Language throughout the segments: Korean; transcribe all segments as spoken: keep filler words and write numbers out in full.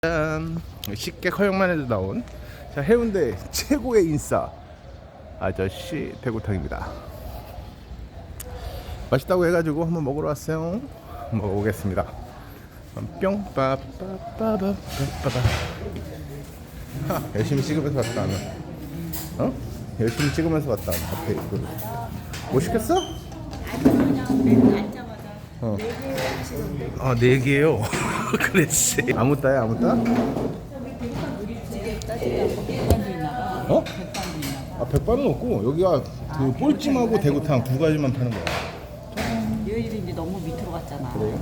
짠! 쉽게 허용만 해도 나온 자, 해운대 최고의 인싸 아저씨 대구탕입니다. 맛있다고 해가지고 한번 먹으러 왔어요. 먹어보겠습니다. 뿅 빠빠빠빠빠빠. 열심히 찍으면서 왔다 하면 어? 열심히 찍으면서 왔다 하면 앞에 이거 뭐 시켰어? 어. 아, 네 개요. 그랬지. 아무 따야 아무 따? 어? 아, 백반은 없고 여기가 그 볼찜하고 대구탕 두 가지만 파는 거야. 너희들이 이제 너무 밑으로 갔잖아. 그래요?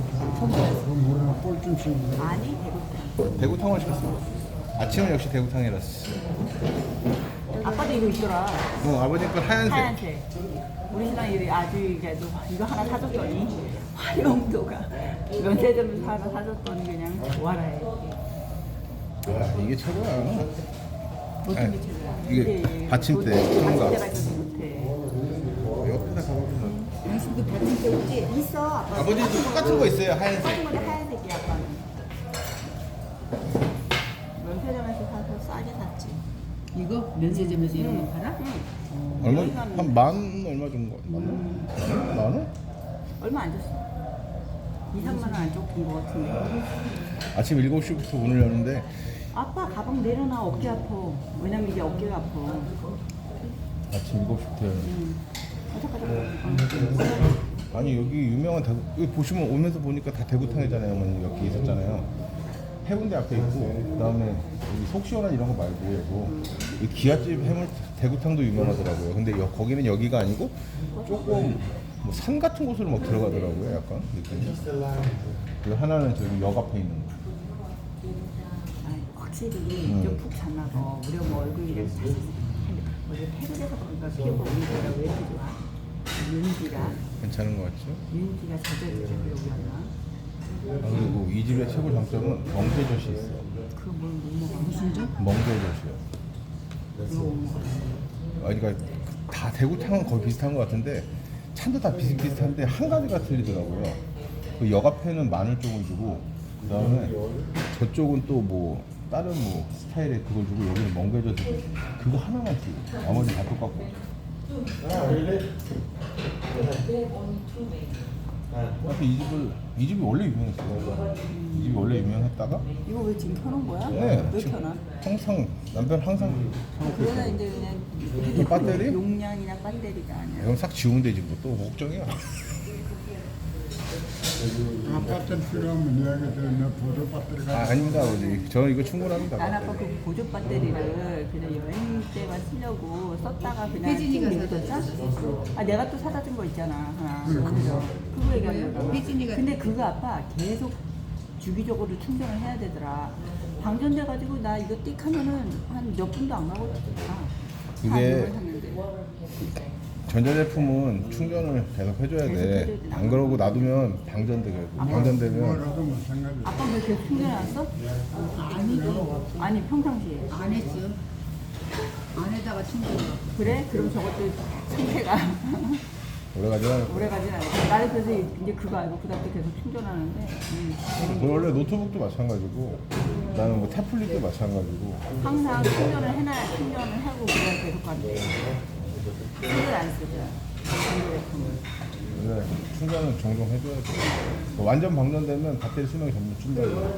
아니 대구탕. 대구탕을 시켰어. 아침은 역시 대구탕이랐어. 아빠도 이거 있더라. 어, 아버님 거 하얀색. 하얀색. 우리 신랑이 아주 이제도 이거 하나 사줬더니 활용도가 면세점에서 하나 사줬더니 그냥 좋아라 해. 아, 이게 최고야. 어떤 게 최고야? 이게 받침대, 통과. 받침대가 있어서 못해. 옆에다 가보면 당신도 받침대 없지? 있어. 아빠. 아버지도 똑같은 거 있어요. 하얀색. 똑같은 건데 하얀색이야 아빠는. 면세점에서 사서 싸게 샀지. 이거 면세점에서 이런 거 팔아? 응. 얼마? 여기가 한 만 얼마 정도? 만 원? 만 원? 얼마 안 줬어. 이, 삼만 원 안 줬던 것 같은데. 아침 일곱 시부터 문을 여는데 아빠 가방 내려놔. 어깨 아파. 왜냐면 이게 어깨가 아파. 아침 일곱 시부터 여는 응. 가자. 아니 여기 유명한 대구 여기 보시면 오면서 보니까 다 대구탕이잖아요. 어머니 여기 있었잖아요. 해운대 앞에 있고 그다음에 여기 속 시원한 이런 거 말고 이 기아집 해물 대구탕도 유명하더라고요. 근데 여, 거기는 여기가 아니고 조금 뭐 산 같은 곳으로 막 들어가더라고요. 약간 느낌이. 그리고 하나는 저기 역 앞에 있는 거. 아니, 확실히 음. 좀 푹 잤나 봐. 우리 엄마 얼굴이 이렇게 다 우리 태국에서 그런가 피부가 우리가 왜 이렇게 좋아? 윤기가 괜찮은 거 같죠? 윤기가 젖어있죠. 여기 하나. 아, 그리고 이 집의 최고 장점은 멍게젓이 있어요. 그뭘 못 먹어. 무슨 점? 멍게젓이요. 이거 못 먹어. 아니 그러니까 다 대구탕은 거의 비슷한 것 같은데 찬도 다 비슷비슷한데 한 가지가 틀리더라고요. 그 역 앞에는 마늘 쪽을 주고 그 다음에 저쪽은 또 뭐 다른 뭐 스타일의 그걸 주고 여기는 멍게젓을 주고 그거 하나만 주고 나머지 다 똑같고. 그래서 이 집을 이 집이 원래 유명했어요. 이 집이 원래 유명했다가 이거 왜 지금 켜놓은 거야? 네 왜 지금 켜놔? 항상 남편 항상 켜놓고 그거는 있어요. 이제 그냥 그 배터리? 용량이나 배터리가 아니야. 이건 싹 지우면 되지 뭐 또 걱정이야. 아파트 필요하면 여기서 내 보조 배터리 아, 가 아닙니다 아버지. 저는 이거 충분합니다. 난 아빠 그 보조 배터리를 그냥 여행 때만 쓰려고 썼다가 그냥 혜진이가 지금 사다 줬어? 아 내가 또 사다 준 거 있잖아 하나. 그래서 그거 얘기하는 거야. 혜진이가 근데 그거 아빠 계속 주기적으로 충전을 해야 되더라. 방전돼 가지고 나 이거 띡 하면은 한 몇 분도 안 가고 다. 이게- 샀는데. 전자제품은 충전을 계속 해줘야 돼. 안 그러고 놔두면 방전돼. 방전되면 뭐라도 마찬가지. 아빠 왜 계속 충전해놨어? 아니고 아니 평상시에. 안 했어. 안에다가 충전. 그래? 그럼 저것도 상태가 오래가지 않아요. 오래 가진 않아. 나는 그래서 이제 그거 알고 그다음부터 계속 충전하는데 음, 그 원래 노트북도 마찬가지고 나는 뭐 태블릿도 마찬가지고 항상 충전을 해놔야 충전을 하고 그냥 계속 간대. 충전 안 쓰죠. 전자제품은. 원래 충전은 종종 해줘야 돼. 뭐 완전 방전되면 배터리 수명이 점점 줄어요.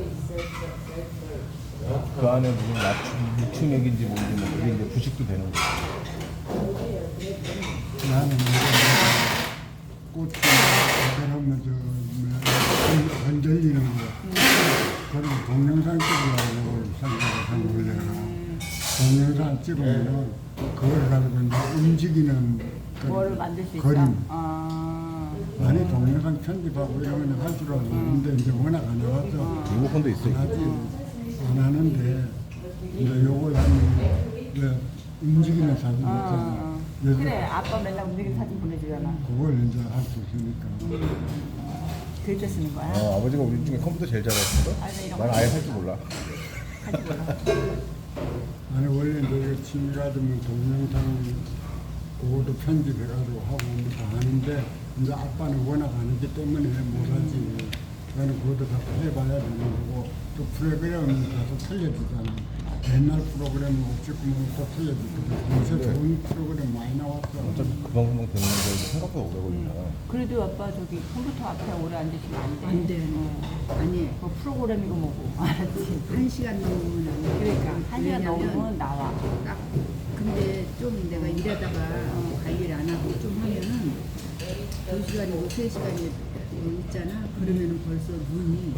그 안에 무슨 나트- 리튬액인지 뭔지 뭐 그게 이제 부식도 되는 거죠. 나는 꽃이 그러면 저 건들리는 거. 그런 동영상 찍으려고 생각을 한 거잖아. 동영상 찍으면 그걸 가지고 이제 움직이는 그 뭐를 만들 수 있다. 그림. 아, 아니 동영상 편집하고 이러면 할 줄 알았는데 이제 워낙 안 해봤어. 리모컨도 있어. 하지 안 하는데 이제 요걸 하면 이제 움직이는 사진 아, 있잖아. 아. 그래서 그래 아빠 맨날 움직이는 사진 보내주잖아. 그걸 이제 할 수 있으니까. 글자 쓰는 거야? 어, 아버지가 우리 중에 컴퓨터 제일 잘했어. 아니, 나 이런 난 거 아예 할 줄 몰라. 하지 몰라. 아니 원래 이제 이거 취미 가지면 동영상 그것도 편집해가지고 하고 뭐다 하는데 이제 아빠는 워낙 안 하기 때문에 못하지. 나는 그것도 다 해봐야 되는 거고 또 그 프로그램을 가서 틀려주잖아. 옛날 프로그램은 옥지구멍부터 틀려주거든. 요새 네. 좋은 프로그램 많이 나왔어. 어차피 금방금방 되는 건데 생각보다 오래 걸리잖아. 그래도 아빠 저기 컴퓨터 앞에 오래 앉으시면 안 돼. 안 돼. 어. 아니 그 프로그램이고 뭐고. 알았지? 한 시간 넘으면 안 돼. 그러니까 한 시간 왜냐면 넘으면 나와. 딱 근데 좀 내가 일하다가 관리를 안 하고 좀 하면은 두 시간이고 세 시간이 있잖아. 그러면은 벌써 눈이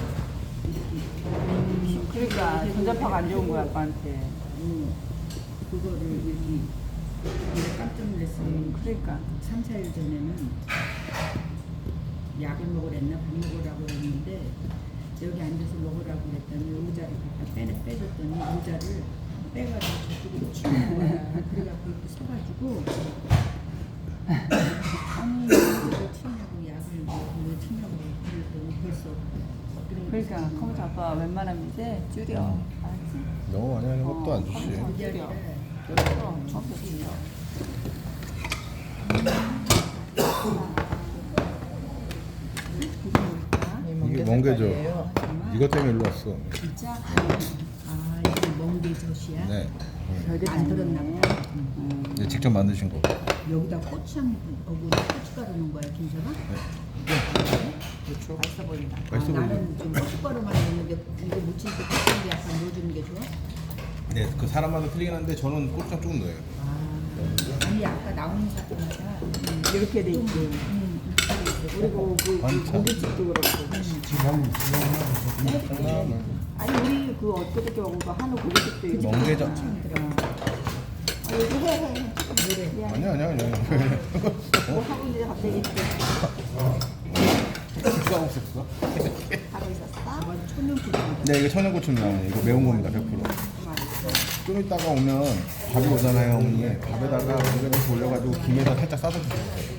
음, 그러니까 전자파가 안 좋은 거야 아빠한테. 음, 그거를 여기 내가 깜짝 놀랐어요. 음, 그러니까. 삼, 사 일 전에는 약을 먹으랬나 밥 먹으라고 그랬는데 여기 앉아서 먹으라고 그랬더니 의자를 갖다 빼, 빼줬더니 의자를 빼가지고 저쪽으로 치는 거야. 그래갖고 이렇게 서가지고 아니 왜 치냐고 약을 왜 치냐고 그랬더니 벌써 그런 그러니까 거 컴퓨터 아빠 웬만하면 이제 줄여. 알았지? 너무 많이 하는 것도 안 좋지. 컴퓨터 줄여. 그래서 컴퓨터 줄여. 이게 멍게죠. 이것 때문에 일로 왔어. 진짜 아 이게 멍게젓이야? 네. 별게 안 들었나 보다. 네, 직접 만드신 거. 여기다 고추장 하고 고춧가루 넣은 거야 김서가? 그렇죠. 맛있어 보인다. 맛있어 아, 보이죠? 나는 좀 고춧가루만 넣는데 이거 무칠 때 고추장 약간 넣어주는 게 좋아? 네, 그 사람마다 틀리긴 한데 저는 고추장 조금 넣어요. 아 아니 아까 나오는 사람마다 음, 이렇게 돼 있지. 음, 그리고 그, 그 반찬. 고깃집도 그렇고. 지금 콩나물. 아니 우리 그 엊그저께 먹은 거 한우 고깃집도 있고. 멍게젓. 아, 얘기 해, 해, 해. 노래 아니야, 아니야, 아니야. 뭐 하고 있는데 갑자기 이렇게 누가 없었어? 하고 있었어? 아마 천연고추장 네, 이거 천연고추 나오네. 이거 매운 겁니다, 백 퍼센트. 좀 이따가 오면 밥이 오잖아요, 어머니. 밥에다가 멍게젓 올려가지고 김에다 살짝 싸서 주세요.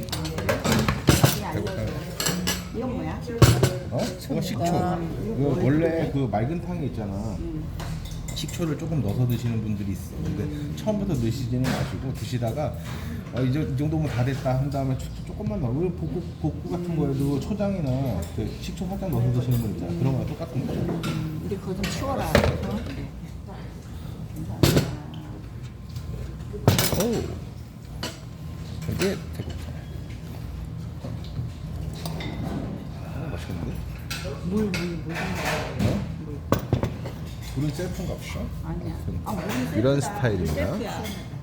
배고파요. 이건 뭐야? 어? 이거 식초. 이거 원래 그 맑은 탕이 있잖아. 식초를 조금 넣어서 드시는 분들이 있어. 근데 처음부터 넣으시지는 마시고 드시다가 어, 이제 이 정도면 다 됐다 한 다음에 초- 조금만 넣어. 왜 볶고, 볶고 같은 거에도 초장이나 그 식초 살짝 넣어서 드시는 분 있잖아. 그런 거랑 똑같은 거죠. 우리 그거 좀 치워라. 어? 오, 이게 대구탕. 어, 맛있겠는데? 물, 물, 물. 어? 불은 셀프인가 보다. 아니야. 그럼 아, 물은 이런 셀프다. 스타일입니다. 셀프야.